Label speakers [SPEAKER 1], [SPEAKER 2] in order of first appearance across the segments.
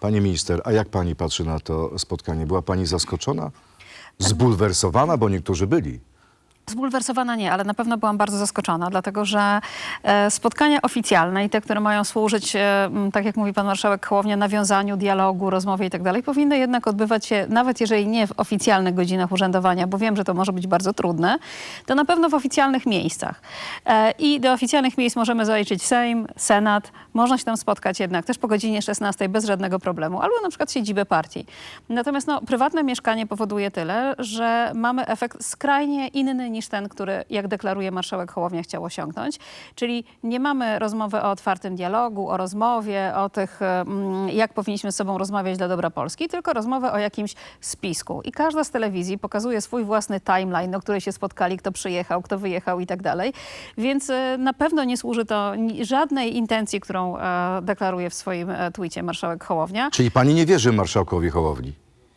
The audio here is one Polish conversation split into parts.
[SPEAKER 1] Pani minister, a jak pani patrzy na to spotkanie? Była pani zaskoczona? Zbulwersowana, bo niektórzy byli.
[SPEAKER 2] Zbulwersowana nie, ale na pewno byłam bardzo zaskoczona, dlatego że spotkania oficjalne i te, które mają służyć, tak jak mówi pan marszałek Hołownia, nawiązaniu dialogu, rozmowie i tak dalej, powinny jednak odbywać się, nawet jeżeli nie w oficjalnych godzinach urzędowania, bo wiem, że to może być bardzo trudne, to na pewno w oficjalnych miejscach. I do oficjalnych miejsc możemy zaliczyć Sejm, Senat, można się tam spotkać jednak też po godzinie 16 bez żadnego problemu, albo na przykład siedzibę partii. Natomiast prywatne mieszkanie powoduje tyle, że mamy efekt skrajnie inny niż ten, który, jak deklaruje marszałek Hołownia, chciał osiągnąć. Czyli nie mamy rozmowy o otwartym dialogu, o rozmowie, o tych, jak powinniśmy z sobą rozmawiać dla dobra Polski, tylko rozmowę o jakimś spisku. I każda z telewizji pokazuje swój własny timeline, do której się spotkali, kto przyjechał, kto wyjechał i tak dalej. Więc na pewno nie służy to żadnej intencji, którą deklaruje w swoim tweetie marszałek Hołownia.
[SPEAKER 1] Czyli pani nie wierzy marszałkowi Hołowni?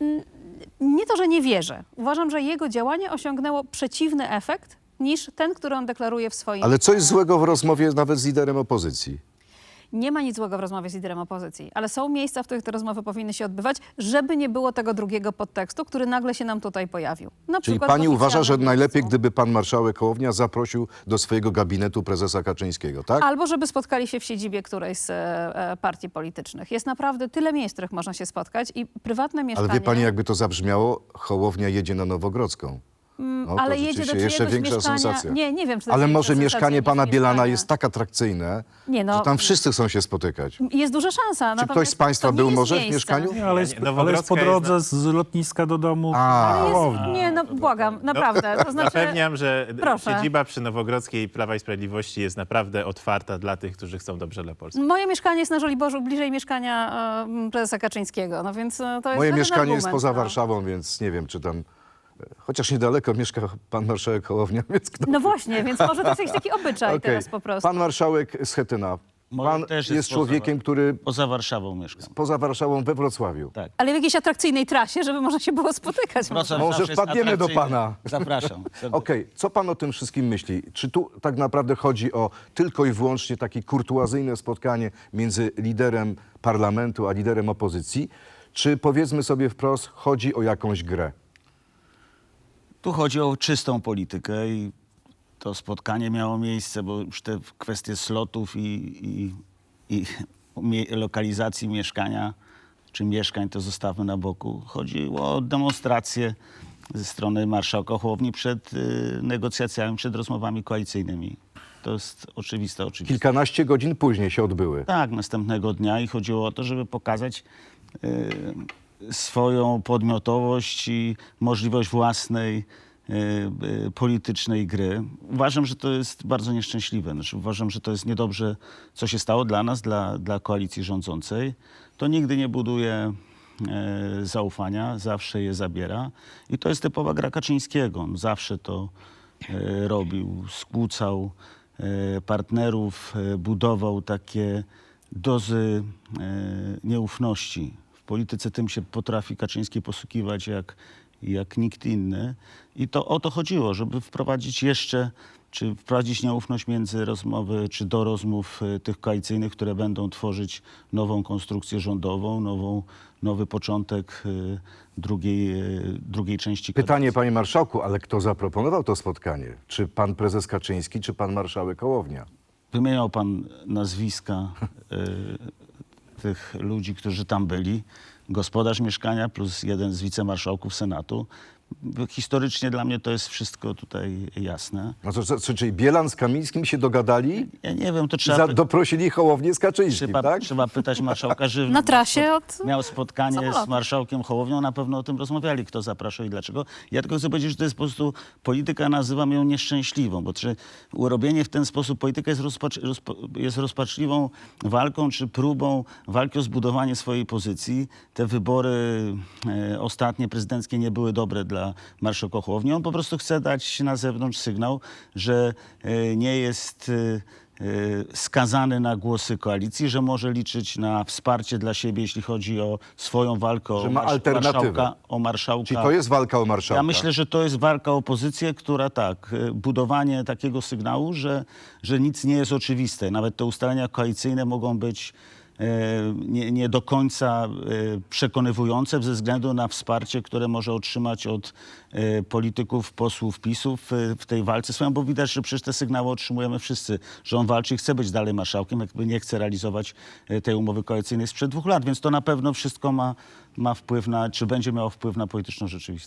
[SPEAKER 2] Nie to, że nie wierzę. Uważam, że jego działanie osiągnęło przeciwny efekt niż ten, który on deklaruje w swoim...
[SPEAKER 1] Ale co jest złego w rozmowie nawet z liderem opozycji?
[SPEAKER 2] Nie ma nic złego w rozmowie z liderem opozycji, ale są miejsca, w których te rozmowy powinny się odbywać, żeby nie było tego drugiego podtekstu, który nagle się nam tutaj pojawił. Na
[SPEAKER 1] Czyli
[SPEAKER 2] przykład
[SPEAKER 1] pani
[SPEAKER 2] w
[SPEAKER 1] uważa, że
[SPEAKER 2] oficjalnym
[SPEAKER 1] najlepiej,
[SPEAKER 2] miejscu.
[SPEAKER 1] gdyby pan marszałek Hołownia zaprosił do swojego gabinetu prezesa Kaczyńskiego, tak?
[SPEAKER 2] Albo żeby spotkali się w siedzibie którejś z partii politycznych. Jest naprawdę tyle miejsc, w których można się spotkać i prywatne
[SPEAKER 1] Ale
[SPEAKER 2] mieszkanie...
[SPEAKER 1] wie pani, jakby to zabrzmiało, Hołownia jedzie na Nowogrodzką. No, to
[SPEAKER 2] ale jedzie do
[SPEAKER 1] rzeczywiście jeszcze
[SPEAKER 2] czyjegoś
[SPEAKER 1] większa
[SPEAKER 2] mieszkania...
[SPEAKER 1] sensacja.
[SPEAKER 2] Nie wiem, czy to
[SPEAKER 1] Ale
[SPEAKER 2] jest
[SPEAKER 1] może
[SPEAKER 2] większa
[SPEAKER 1] mieszkanie
[SPEAKER 2] sensacja
[SPEAKER 1] pana
[SPEAKER 2] niż
[SPEAKER 1] Bielana
[SPEAKER 2] mieszkania.
[SPEAKER 1] jest tak atrakcyjne,
[SPEAKER 2] Nie,
[SPEAKER 1] że tam wszyscy chcą się spotykać.
[SPEAKER 2] Jest duża szansa.
[SPEAKER 1] Czy ktoś z państwa był może w mieszkaniu?
[SPEAKER 3] Nie, ale jest po
[SPEAKER 4] Nowogrodzka
[SPEAKER 3] drodze z lotniska do domu.
[SPEAKER 2] Nie, błagam, naprawdę. To znaczy,
[SPEAKER 4] Zapewniam, że
[SPEAKER 2] Proszę.
[SPEAKER 4] siedziba przy Nowogrodzkiej Prawa i Sprawiedliwości jest naprawdę otwarta dla tych, którzy chcą dobrze dla Polski.
[SPEAKER 2] moje mieszkanie jest na Żoliborzu, bliżej mieszkania prezesa Kaczyńskiego, no więc to jest
[SPEAKER 1] Moje
[SPEAKER 2] żaden
[SPEAKER 1] mieszkanie jest
[SPEAKER 2] argument,
[SPEAKER 1] poza
[SPEAKER 2] no.
[SPEAKER 1] Warszawą, więc nie wiem, czy tam... Chociaż niedaleko mieszka pan marszałek Hołownia, więc kto...
[SPEAKER 2] No właśnie, więc może to jest jakiś taki obyczaj
[SPEAKER 1] Okej.
[SPEAKER 2] teraz po prostu.
[SPEAKER 1] Pan marszałek Schetyna.
[SPEAKER 3] Moje
[SPEAKER 1] Pan
[SPEAKER 3] też
[SPEAKER 1] jest
[SPEAKER 3] poza-
[SPEAKER 1] człowiekiem, który
[SPEAKER 3] Poza Warszawą mieszkam.
[SPEAKER 1] poza Warszawą we Wrocławiu.
[SPEAKER 3] Tak.
[SPEAKER 2] Ale w jakiejś atrakcyjnej trasie, żeby można się było spotykać.
[SPEAKER 3] Wrocław
[SPEAKER 1] Może
[SPEAKER 3] zawsze jest
[SPEAKER 1] wpadniemy do
[SPEAKER 3] atrakcyjny.
[SPEAKER 1] pana.
[SPEAKER 3] Zapraszam.
[SPEAKER 1] Okej, co pan o tym wszystkim myśli? Czy tu tak naprawdę chodzi o tylko i wyłącznie takie kurtuazyjne spotkanie między liderem parlamentu a liderem opozycji? Czy powiedzmy sobie wprost, chodzi o jakąś grę?
[SPEAKER 3] Tu chodzi o czystą politykę i to spotkanie miało miejsce, bo już te kwestie slotów i lokalizacji mieszkania czy mieszkań to zostawmy na boku. Chodziło o demonstrację ze strony marszałka Hołowni przed negocjacjami, przed rozmowami koalicyjnymi. To jest oczywiste.
[SPEAKER 1] Kilkanaście godzin później się odbyły.
[SPEAKER 3] Tak, następnego dnia i chodziło o to, żeby pokazać swoją podmiotowość i możliwość własnej politycznej gry. Uważam, że to jest bardzo nieszczęśliwe. Znaczy, uważam, że to jest niedobrze, co się stało dla nas, dla koalicji rządzącej. To nigdy nie buduje zaufania, zawsze je zabiera. I to jest typowa gra Kaczyńskiego. On zawsze to robił, skłócał partnerów, budował takie dozy nieufności. W polityce tym się potrafi Kaczyński posługiwać jak nikt inny. I to o to chodziło, żeby wprowadzić czy wprowadzić nieufność między rozmowy, czy do rozmów tych koalicyjnych, które będą tworzyć nową konstrukcję rządową, nowy początek drugiej części kadencji.
[SPEAKER 1] Pytanie, panie marszałku, ale kto zaproponował to spotkanie? Czy pan prezes Kaczyński, czy pan marszałek Hołownia?
[SPEAKER 3] Wymieniał pan nazwiska tych ludzi, którzy tam byli. Gospodarz mieszkania plus jeden z wicemarszałków Senatu. Historycznie dla mnie to jest wszystko tutaj jasne.
[SPEAKER 1] No czyli Bielan z Kamińskim się dogadali
[SPEAKER 3] Ja nie wiem, to
[SPEAKER 1] i
[SPEAKER 3] trzeba,
[SPEAKER 1] doprosili Hołownię z Kaczyńskim, tak?
[SPEAKER 3] trzeba pytać marszałka Żywna.
[SPEAKER 2] Na trasie od
[SPEAKER 3] Miał spotkanie
[SPEAKER 2] samolotu.
[SPEAKER 3] z marszałkiem Hołownią, na pewno o tym rozmawiali, kto zapraszał i dlaczego. Ja tylko chcę powiedzieć, że to jest po prostu polityka, nazywam ją nieszczęśliwą, bo urobienie w ten sposób polityka jest rozpaczliwą walką czy próbą walki o zbudowanie swojej pozycji. Te wybory ostatnie prezydenckie nie były dobre dla marszałka Hołowni. On po prostu chce dać na zewnątrz sygnał, że nie jest skazany na głosy koalicji, że może liczyć na wsparcie dla siebie, jeśli chodzi o swoją walkę
[SPEAKER 1] Że ma alternatywę.
[SPEAKER 3] o marszałka.
[SPEAKER 1] Czyli to jest walka o marszałka?
[SPEAKER 3] Ja myślę, że to jest walka o pozycję, która budowanie takiego sygnału, że nic nie jest oczywiste. Nawet te ustalenia koalicyjne mogą być nie do końca przekonywujące ze względu na wsparcie, które może otrzymać od polityków, posłów PiS-u w tej walce swoją, bo widać, że przecież te sygnały otrzymujemy wszyscy, że on walczy i chce być dalej marszałkiem, jakby nie chce realizować tej umowy koalicyjnej sprzed 2 lat, więc to na pewno wszystko ma wpływ na, czy będzie miało wpływ na polityczną rzeczywistość.